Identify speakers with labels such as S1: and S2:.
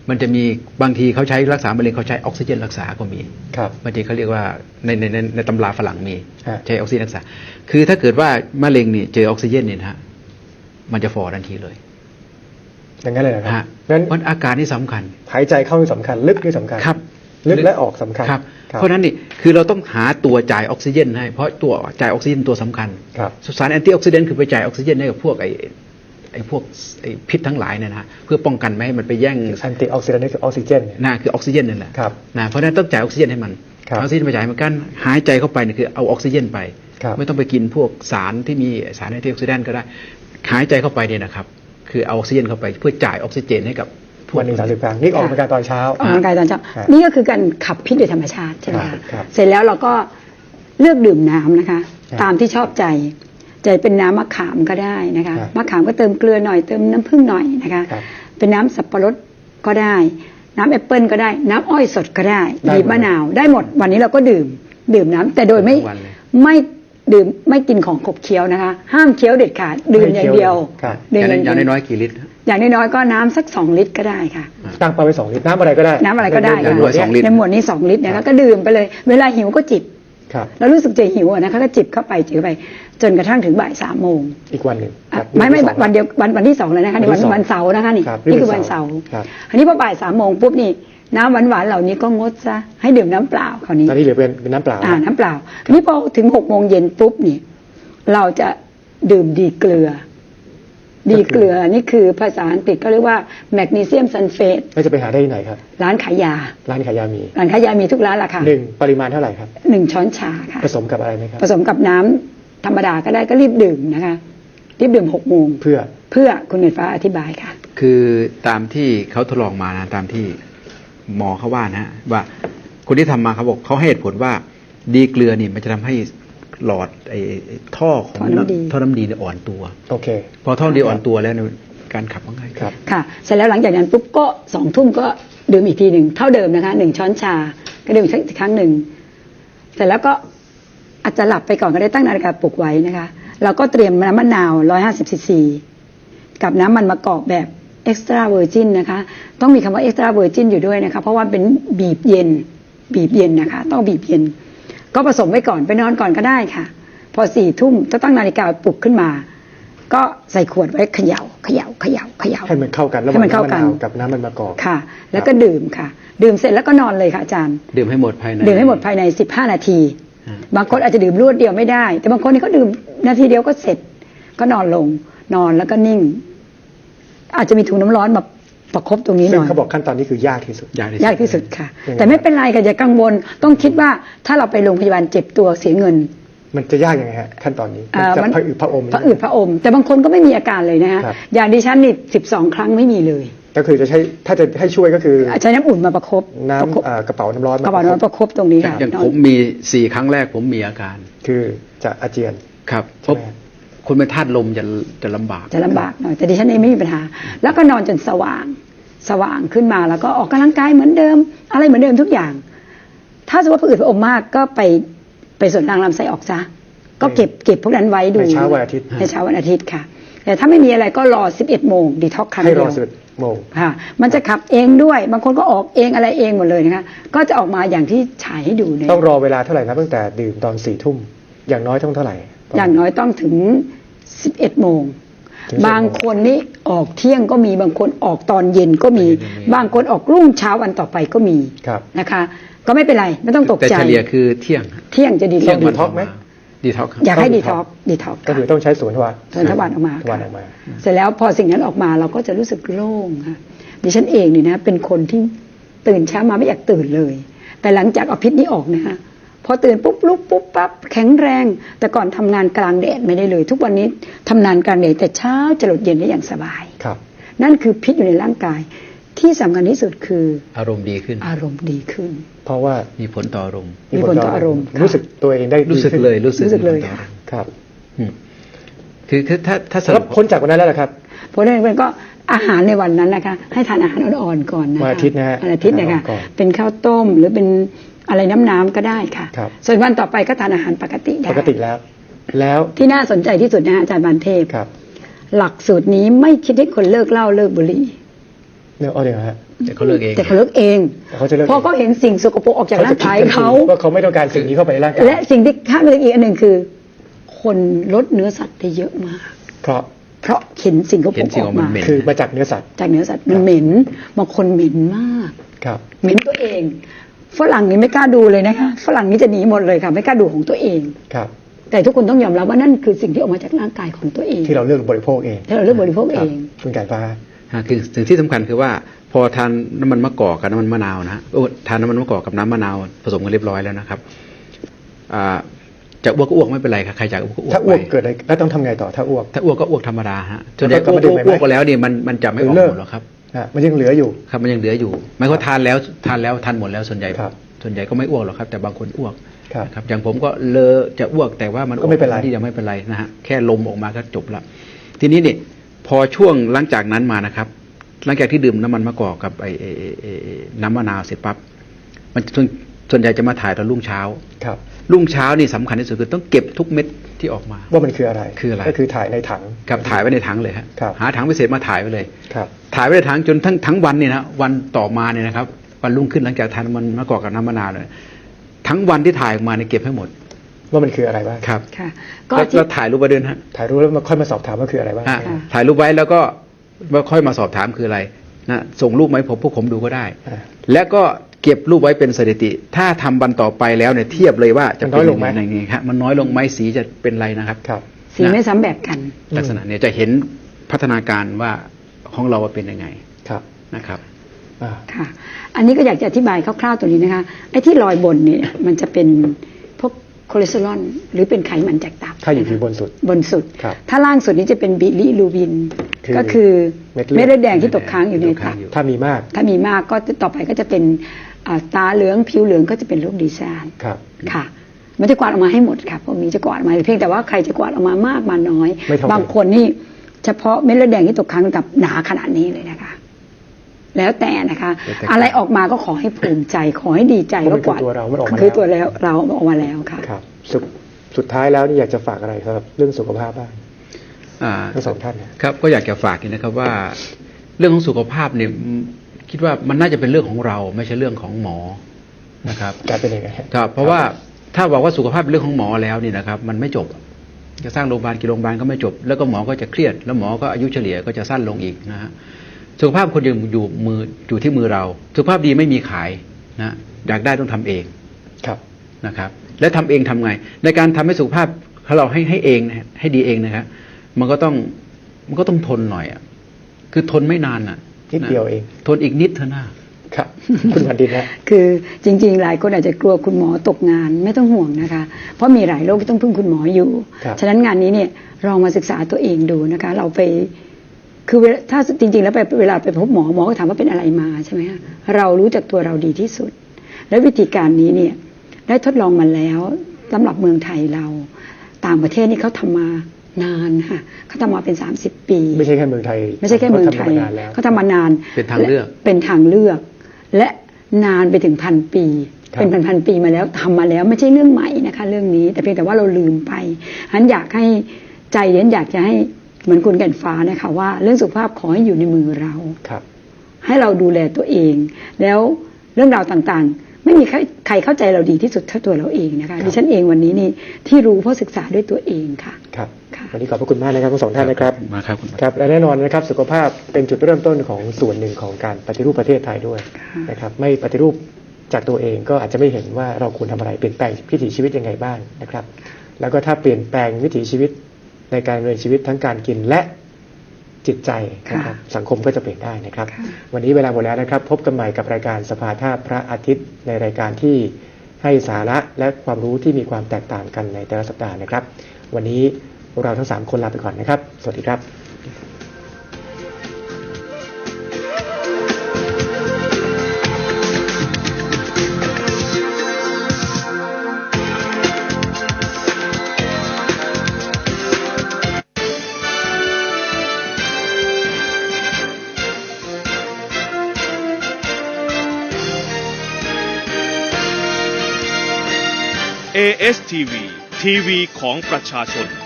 S1: มันจะมีบางทีเขาใช้รักษามะเร็งเขาใช้ออกซิเจนรักษาก็มี
S2: ครับ
S1: บางทีเขาเรียกว่าในตำราฝรั่งมี
S2: ฮะ
S1: ใช้ออกซิเจนรักษาคือถ้าเกิดว่ามะเร็งนี่เจอออกซิเจนเนี่ยนะฮะมันจะฝ่อทันทีเลย
S2: อย่างนั้นเลยนะครับ
S1: ฮะ
S2: งั้น
S1: มันอาการนี่สำคัญ
S2: หายใจเข้านี่สำคัญ ลึกนี่สำคัญ
S1: ครับ
S2: ลึกและออกสำคัญ
S1: ครับ เพราะฉะนั้นนี่คือเราต้องหาตัวจ่ายออกซิเจนให้เพราะตัวจ่ายออกซิเจนตัวสำคัญ
S2: ครับ
S1: สารแอนตี้ออกซิเดนต์คือไปจ่ายออกซิเจนให้กับพวกไอ้พวกพิษทั้งหลายเนี่ยนะฮะเพื่อป้องกันไม่ให้มันไปแย่ง
S2: แอนตี้ออกซิแดนต์นี่คือออกซิเจนเนี่ย
S1: น่าคือออกซิเจนนั่นแหละ
S2: ครับ
S1: นะเพราะฉะนั้นต้องจ่ายออกซิเจนให้มัน
S2: ครับ
S1: ออกซิเจนไปจ่ายเหมือนกันหายใจเข้าไปเนี่ยคือเอาออกซิเจนไป
S2: ครับ
S1: ไม่ต้องไปกินพวกสารที่มีสารแอนตี้ออกซิแดนต์ก็ได้หายใจเข้าไปเนี่ยนะครับคือเอาออกซิเจนเข้าไปเพื่อจ่ายออกซิเจนให้กับพวก
S2: วันหนึ่ง30 ครั้งนี่ออกกำลังกายตอนเช้า
S3: ออกกำลังกายตอนเช้า
S2: ฮะ
S3: นี่ก็คือการขับพิษโดยธรรมชาติใช่ไหม
S2: ครั
S3: คะ
S2: บครับ
S3: เสร็จแล้วเราก็เลือกดื่มน้ำนะคะ
S2: ครับ
S3: ตามที่ชอบใจจะเป็นน้ำมะขามก็ได้นะคะ
S2: ครับ
S3: มะขามก็เติมเกลือหน่อยเติมน้ำผึ้งหน่อยนะคะ
S2: ครับ
S3: เป็นน้ำสับปะรดก็ได้ น้ำแอปเปิลก็ได้ น้ำอ้อยสดก็ได้
S2: ได้หมด
S3: บีบมะนาวได้หมดวันนี้เราก็ดื่มน้ำแต่โดยไม่
S1: ทั้งวันเลย
S3: ไม่ดื่มไม่กินของขบเคี้ยวนะคะ ห้ามเคี้ยวเด็ดขาดดื่มอย่างเดียว
S2: ครับ
S3: ดื่ม
S1: อย่างน้อยๆกี่ลิตร
S3: อย่างน้อยๆก็น้ำสัก2 ลิตรก็ได้ค่ะ
S2: ตั้งเป้าไว้2 ลิตรน้ำอะไรก็ได้
S3: น้ำอะไรก็ได้
S1: อย่า
S3: ค่ะ
S1: งน้อย2 ลิตร
S3: ในหมวดนี้2 ลิตรนะ
S2: ครั
S3: คะ
S2: บ
S3: ก็ดื่มไปเลย เวลาหิวก็จิบ
S2: ครับ
S3: แล้วรู้สึกจะหิวอะนะคะก็จิบเข้าไปจิบเข้าไป จนกระทั่งถึงบ่าย3 โมง
S2: อีกวันหนึ่ง
S3: อ่ะ
S2: ครับ
S3: ไม่
S2: ที่สอง
S3: วันเดียววันที่2เลยนะคะนี่
S2: วันที่สอง
S3: วันเสาร์นะคะนี่
S2: ครับ
S3: นี่คือ
S2: นี่คือ
S3: วันเสาร์
S2: ครับ
S3: อันนี้พอบ่าย3 โมงปุ๊บนี่น้ำหวานๆเหล่านี้ก็งดซะให้ดื่มน้ำเปล่าคราวนี้
S2: ตอนนี้เหลือเป็นน้ำเปล่า
S3: น้ำเปล่าอันนี้พอถึง6 โมงเย็นปุ๊บนี่เราจะดื่มดีเกลือ ดีเกลือนี่คือภาษาอังกฤษก็เรียกว่าแมกนีเซียมซัลเฟต
S2: แล้วจะไปหาได้ที่ไหนครับ
S3: ร้านขายยา
S2: ร้านขายยามี
S3: ร้านขายยามีทุกร้านละค่ะ
S2: 1 ปริมาณเท่าไหร่ครับ
S3: 1 ช้อนชาค่ะ
S2: ผสมกับอะไรไหมครับ
S3: ผสมกับน้ำธรรมดาก็ได้ก็รีบดื่มนะคะรีบดื่ม6 โมง
S2: เพื่อ
S3: เพื่อคุณเงินฟ้าอธิบายค่ะ
S1: คือตามที่เขาทดลองมานะตามที่หมอเขาว่านะว่าคนที่ทำมาเขาบอกเขาให้เหตุผลว่าดีเกลือนี่มันจะทำให้หลอดไอ้ท่อของ
S3: ท่อน้ำดี
S1: ท่อน้ำดีเนี่ยอ่อนตัว
S2: โอเค
S1: พอท่อน้ำดีอ่อนตัวแล้วเนี่ยการขับมันง่าย
S2: ครับ
S3: ค่ะเสร็จแล้วหลังจากนั้นปุ๊บก็2 ทุ่มก็ดื่มอีกทีหนึ่งเท่าเดิมนะคะ1 ช้อนชาก็ดื่มอีกครั้งหนึ่งเสร็จแล้วก็อาจจะหลับไปก่อนก็ได้ตั้งนาฬิกาปลุกไว้นะคะเราก็เตรียมน้ำมะนาว150 ซีซีกับน้ำมันมะกอกแบบเอ็กซ์ตร้าเวอร์จินนะคะต้องมีคำว่าเอ็กซ์ตร้าเวอร์จินอยู่ด้วยนะคะเพราะว่าเป็นบีบเย็นนะคะต้องบีบเย็นก็ผสมไว้ก่อนไปนอนก่อนก็ได้ค่ะ พอ4 ทุ่มจะตั้งนาฬิกาปลุกขึ้นมา ก็ใส่ขวดไว้เขย่า
S2: ให้มันเข้ากันระห
S3: ให้
S2: ว่าง
S3: มันเข้า
S2: น้ำมะ
S3: กัน
S2: นาวกับน้ำมันมะกอก
S3: ค่ะ แล้วก็ดื่มค่ะ ดื่มเสร็จแล้วก็นอนเลยค่ะอาจารย์
S1: ดื่มให้หมดภายใน
S3: ดื่มให้หมดภายใน15 นาที
S1: อ่า
S3: บางคนอาจจะดื่มรวดเดียวไม่ได้ แต่บางคนนี่ก็ดื่มนาทีเดียวก็เสร็จ ก็นอนลงนอนแล้วก็นิ่ง อาจจะมีถุงน้ำร้อนมาประคบตรงนี้ห
S2: ซึ่ง
S3: น่อย
S2: เขาบอกขั้นตอนนี้คือยากที่สุด
S3: ยากที่สุดค่ะ
S2: ยังไง
S3: แต่ไม่เป็นไรค่ะอย่ากังวลต้องคิดว่าถ้าเราไปโรงพยาบาลเจ็บตัวเสียเงิน
S2: มันจะยากยังไงฮะขั้นตอนนี้
S3: อ่า
S2: จะ
S3: มัน
S2: ผะอืดผะอม
S3: ผะอืดผะอม แต่บางคนก็ไม่มีอาการเลยนะฮะ
S2: ครับ
S3: อย่างดิฉันนี่12 ครั้งไม่มีเลย
S2: ก็คือจะใช้ถ้าจะให้ช่วยก็คือ
S3: ใช้น้ำอุ่นมาประคบ
S2: น้
S3: ประคบ
S2: ำกระเป๋าน้ำร้อน
S3: กระเป๋าน้ำประคบตรงนี้ค่ะ
S1: อย่างผมมี4 ครั้งแรกผมมีอาการ
S2: คือจะอาเจียน
S1: ครับเพ
S2: ใช่
S1: ราะ
S2: ไหม
S1: คนเป็นธาตุลมจะลำบาก
S3: จะลำบากหน่อยแต่ดิฉันเองไม่มีปัญหา แล้วก็นอนจนสว่างขึ้นมาแล้วก็ออกกำลังกายเหมือนเดิม อะไรเหมือนเดิมทุกอย่าง ถ้าสมมติว่าผะอืดผะอมมากก็ไปส่วนทางลำไส้ออกซะก็เก็บพวกนั้นไว้ดู
S2: ในเช้าวันอาทิตย์
S3: ในเช้าวันอาทิตย์ค่ะ แต่ถ้าไม่มีอะไรก็รอ11 โมงดีท็อกครั้ง
S2: ให้
S3: เดี
S2: ร
S3: ย
S2: อ
S3: ว
S2: 11 โมง
S3: ค่ะมันจะขับเองด้วย บางคนก็ออกเองอะไรเองหมดเลยนะคะก็จะออกมาอย่างที่ฉายให้ดูเนี่ย
S2: ต้องรอเวลาเท่าไหร่นะตั้งแต่ดื่มตอน4 ทุ่มอย่างน้อยต้องเท่าไหร่
S3: อย่างน้อยต้องถึง11 โมง
S2: ถึง11
S3: บางคนนี่ออกเที่ยงก็มีบางคนออกตอนเย็นก็มี บางคนออกรุ่งเช้าวันต่อไปก็มี
S2: ครับ
S3: นะคะ ก็ไม่เป็นไรไม่ต้องตก
S1: แต่
S3: ใจ
S1: เฉลี่ยคือเที่ยง
S3: เที่ยงจะดี
S1: เที่ยง
S3: ก
S1: วั
S3: ว่าน
S1: ท็อกไหมดีท็อกครับ
S3: อยากให้
S2: ต้อง
S3: ดีท็อก
S2: ก็คือต้องใช้สวนทวาร
S3: ส่วนทวารออกมา
S2: ทวารออกมา
S3: เสร็จแล้วพอสิ่งนั้นออกมาเราก็จะรู้สึกโล่งค่ะดิฉันเองนี่นะเป็นคนที่ตื่นเช้ามาไม่อยากตื่นเลย แต่หลังจากเอาพิษนี้ออกนะคะพอตื่นปุ๊บลุกปุ๊บปั๊บแข็งแรง แต่ก่อนทำงานกลางแดดไม่ได้เลย ทุกวันนี้ทำงานกลางแดดแต่เช้าจะหลดเย็นได้อย่างสบาย
S2: ครับ
S3: นั่นคือพิษอยู่ในร่างกาย ที่สำคัญที่สุดคือ
S1: อารมณ์ดีขึ้น
S3: อารมณ์ดีขึ้น
S2: เพราะว่า
S1: มีผลต่ออารมณ์
S3: มีผลต่ออารมณ์ค่ะ
S2: รู้สึกตัวเองได้ดี
S1: รู้สึก
S2: ขึ้น
S1: เลยรู้สึก
S3: รู้สึกเลย
S1: มีผต่อ
S3: ค่ะ
S1: อารมณ์
S2: ครับ
S1: อืมคือถ้าส
S2: แล้
S1: รุ
S2: ว
S1: ป
S2: พ้นจากวันนั้นแล้วเหรอครับ
S3: เพราะฉะนั้นก็อาหารในวันนั้นนะคะ ให้ทานอาหารอ่อนๆก่อนนะคะ
S2: วันอาทิตย์นะฮะ
S3: วันอาทิตย์นะคะ
S2: อาหารอ่อนก่อน
S3: เป็นข้าวต้มหรือเป็นอะไรน้ำก็ได้ค่ะ
S2: ครับ
S3: ส่วนวันต่อไปก็ทานอาหารปกติได้
S2: ปกติแล้ว แล้ว
S3: ที่น่าสนใจที่สุดนะอาจารย์บานเทพ
S2: ครับ
S3: หลักสูตรนี้ไม่คิดให้คนเลิกเหล้าเลิกบุหรี่
S2: เนี่ยเอาเดี๋ยวฮะ
S1: แต่เขาเลิกเอง
S3: แต่เขาเลิกเอง
S2: แต่เขาจะเลิก
S3: เพราะเขาเห็นสิ่งสกปรกออกจากร่างกายเขา
S2: ว่าเขาไม่ต้องการสิ่งนี้เข้าไปในร่างกาย
S3: และสิ่งที่ข้ามไปอีกอันหนึ่งคือ คนลดเนื้อสัตว์ได้เยอะมาก
S2: เพราะ
S3: เพราะเห็นสิ่งสกปร
S1: เห็น
S3: ก
S1: สิ่ง
S3: อ
S1: ข
S3: อ
S1: อก งมัน
S3: มา
S1: เหม็น
S2: คือมาจากเนื้อสัตว์
S3: จากเนื้อสัตว์มันเหม็นบางคนเหม็นมาก
S2: ครับ
S3: เหม็นตัวเองฝรั่งนี่ไม่กล้าดูเลยนะคะฝรั่งนี่จะหนีหมดเลยค่ะไม่กล้าดูของตัวเอง
S2: ครับ
S3: แต่ทุกคนต้องยอมรับว่านั่นคือสิ่งที่ออกมาจากร่างกายของตัวเอง
S2: ที่เราเลือกบริโภคเอง
S3: ที่เราเลือกบริโภค
S2: ค
S3: เอ
S2: รับ
S3: ง
S2: คุณไก่ฟ้า
S1: คือสิ่งที่สำคัญคือว่าพอทานน้ำมันมะกอกกับน้ำมันมะนาวนะฮะทานน้ำมันมะกอกกับน้ำมะนาวผสมกันเรียบร้อยแล้วนะครับจะอ้วกก็อ้วกไม่เป็นไรครับใครจะอ้วกก็อ้วก
S2: ถ้าอ้วก
S1: ไป
S2: เกิดอะไรแล้วต้องทำไงต่อถ้าอ้วก
S1: ถ้าอ้วกก็อ้วกธรรมดาฮะส่วนใหญ่
S2: แล้วก็กลับมาดื่มใหม่ไหม
S1: อ้วกไปแล้วเนี่ยมันจะไม่ออก
S2: หรือเลิ
S1: ห
S2: ก
S1: มดหรอกครับ
S2: มันยังเหลืออยู่
S1: ครับมันยังเหลืออยู่หมายความว่าทานแล้วทานหมดแล้วส่วนใหญ่
S2: ครับ
S1: ส่วนใหญ่ก็ไม่อ้วกหรอกครับ แต่บางคนอ้วก
S2: ครับ
S1: นะครับอย่างผมก็เลอะจะอ้วกแต่ว่ามัน
S2: ก็ไม่เป็นไร
S1: ที่ยังไม่เป็นไรนะฮะแค่ลมออกมาก็จบละทีนี้เนี่ยพอช่วงหลังจากนั้นมานะครับ หลังจากที่ดื่มน้ำมันมะกอกกับไอ้น้ำมะนาวเสร็จปั๊บมันส่วนใหญ่จะมาถ่ายตอนรุ่งเช้า
S2: ครับ
S1: รุ่งเช้านี่สำคัญที่สุดคือต้องเก็บทุกเม็ดที่ออกมา
S2: ว่ามันคืออะไร
S1: คืออะไร
S2: ก็คือถ่ายในถัง
S1: กับถ่ายไว้ในถังเลยฮะ
S2: ครับ
S1: หาถังพิเศษมาถ่ายไว้เลย
S2: ครับ
S1: ถ่ายไว้ในถังจนทั้งวันเนี่ยนะวันต่อมาเนี่ยนะครับวันรุ่งขึ้นหลังจากทานมันมะกอกกับน้ำมะนาวเลยทั้งวันที่ถ่ายออกมาเนี่ยเก็บให้หมด
S2: ว่ามันคืออะไรบ้าง
S1: ครับ
S3: ค่ะ ก็
S1: แล้ว
S3: ที่
S1: แล้วถ่ายรูปไว้ด้วยนะฮะ
S2: ถ่ายรูปแล้วมาค่อยมาสอบถามว่าคืออะไรบ้าง
S1: อ่ะ
S3: ค่ะ
S1: ถ่ายรูปไว้แล้วก็ค่อยมาสอบถามคืออะไรนะส่งรูปมาให้พวกผมดูก็ได้
S2: อ่า
S1: แล้วก็เก็บรูปไว้เป็นสถิติ ถ้าทำวันต่อไปแล้วเนี่ยเทียบเลยว่าจะ
S2: มันน้อยลงไหม
S1: เป็นยังไงครับมันน้อยลงไหมสีจะเป็นไรนะครับ
S2: ครับ
S3: สีไม่ซ้ำแบบกัน
S1: ลักษณะเนี่ยจะเห็นพัฒนาการว่าของเราว่าเป็นยังไง
S2: ครับ
S1: นะครับ
S2: อ่า
S3: ค่ะ อันนี้ก็อยากจะอธิบายคร่าวๆตัวนี้นะคะ ไอ้ที่รอยบนเนี่ยมันจะเป็นพวกคอเลสเตอรอลหรือเป็นไขมันจากตับ
S2: ถ้าอยู่ที่บนสุด
S3: บนสุด
S2: ครับ
S3: ถ้าล่างสุดนี้จะเป็นบิลิรูบิน
S2: คือ
S3: ก็คือ
S2: เม็
S3: เม็
S2: ด
S3: ด
S2: เลื
S3: เลื
S2: อ
S3: อ
S2: ด
S3: ดแดงที่ตกค้างอยู่ในตับ
S2: ถ้ามีมาก
S3: ถ้ามีมากก็ต่อไปก็จะเป็นตาเหลืองผิวเหลืองก็จะเป็นโรคดีซาน
S2: ครับ
S3: ค่ะ มันจะกวาดออกมาให้หมดค่ะพวกนี้จะกวาดออกมาเพียงแต่ว่าใครจะกวาดออกมามากมาน้อย
S2: ไม่เท่ากัน
S3: บางคนนี่เฉพาะเม็ดเลือดแดงที่ตกค้างกับหนาขนาดนี้เลยนะคะ แล้วแต่นะคะ
S1: แล้วแต่
S3: อะไรออกมาก็ขอให้ภูมิใจ ขอให้ดีใจ
S2: เพราะมัน
S3: ก็กวาด
S2: คือตัวเรามันออกมา
S3: คือ
S2: แล้ว
S3: ตัวแล้วเราออกมาแล้วค่ะ
S2: ครับสุดท้ายแล้วนี่อยากจะฝากอะไรสำหรับเรื่องสุขภาพบ้าง
S1: อ่า
S2: ทั้งสองท่านเนี่ย
S1: ครับก็อยากจะฝากนี่นะครับว่า เรื่องของสุขภาพเนี่ยคิดว่ามันน่าจะเป็นเรื่องของเราไม่ใช่เรื่องของหมอนะครับ
S2: กลายเป็นยังไงฮะ
S1: ครับเพราะว่าถ้าบอกว่าสุขภาพเป็นเรื่องของหมอแล้วนี่นะครับ มันไม่จบจะสร้างโรงพยาบาลกี่โรงพยาบาลก็ไม่จบ แล้วก็หมอก็จะเครียด แล้วหมอก็อายุเฉลี่ยก็จะสั้นลงอีกนะฮะสุขภาพคนอยู่ที่มือเรา สุขภาพดีไม่มีขายนะอยากได้ต้องทำเอง
S2: ครับ
S1: นะครับและทำเองทำไง ในการทำให้สุขภาพเราให้เองนะให้ดีเองนะครับมันก็ต้องทนหน่อยอ่ะคือทนไม่นานอ่ะ
S2: นิดเดียวเอง
S1: ทนอีกนิดเท่านั้น
S2: ครับ คุณพันดินนะ
S3: คือจริงๆ หลายคนอาจจะกลัวคุณหมอตกงานไม่ต้องห่วงนะคะ เพราะมีหลายโรคที่ต้องพึ่งคุณหมออยู่
S2: ครับ
S3: ฉะนั้นงานนี้เนี่ยลองมาศึกษาตัวเองดูนะคะ เราไปคือถ้าจริงๆ แล้วเวลาไปพบหมอก็ถามว่าเป็นอะไรมาใช่ไหมคะเรารู้จักตัวเราดีที่สุด และวิธีการนี้เนี่ยได้ทดลองมาแล้วสำหรับเมืองไทยเราต่างประเทศนี่เขาทำมานานค่ะเขาทำมาเป็น30 ปี
S2: ไม่ใช่แค่เมืองไทย
S3: ไม่ใช่แค่เมืองไทย
S2: ขาทำมานานแล้ว
S3: เขาทำมานาน
S1: เป็นทางเลือก
S3: เป็นทางเลือก และนานไปถึงพันปี
S2: ครับ
S3: เป็นพันปีมาแล้วทำมาแล้วไม่ใช่เรื่องใหม่นะคะ เรื่องนี้แต่เพียงแต่ว่าเราลืมไปฉะนั้นอยากให้ใจเย็นอยากจะให้เหมือนคุณแก่นฟ้านะคะว่าเรื่องสุขภาพขอให้อยู่ในมือเรา
S2: ครับ
S3: ให้เราดูแลตัวเอง แล้วเรื่องราวต่างๆ ไม่มีใครเข้าใจเราดีที่สุดเท่าตัวเราเองนะคะดิฉันเองวันนี้นี่ที่รู้เพราะศึกษาด้วยตัวเองค่ะ
S2: ครับ
S3: ค่ะ
S2: วันนี้ขอบพระคุณมากนะครับทั้งสองท่านนะครับ
S1: มาครับคุณ
S2: ครับและแน่นอนนะครับสุขภาพเป็นจุดเริ่มต้นของส่วนหนึ่งของการปฏิรูปประเทศไทยด้วย
S3: ค่ะ
S2: นะครับไม่ปฏิรูปจากตัวเองก็อาจจะไม่เห็นว่าเราควรทำอะไรเปลี่ยนแปลงวิถีชีวิตยังไงบ้างนะครับ แล้วก็ถ้าเปลี่ยนแปลงวิถีชีวิตในการดำเนินชีวิตทั้งการกินและจิตใจนะครับสังคมก็จะเปลี่ยนได้นะครับ
S3: ค่ะ
S2: วันนี้เวลาหมดแล้วนะครับ พบกันใหม่กับรายการสภาท่าพระอาทิตย์ในรายการที่ให้สาระและความรู้ที่มีความแตกต่างกันในแต่ละสัปดาห์นะครับ วันนี้เราทั้ง3คนลาไปก่อนนะครับ สวัสดีครับ
S4: ASTV ทีวีของประชาชน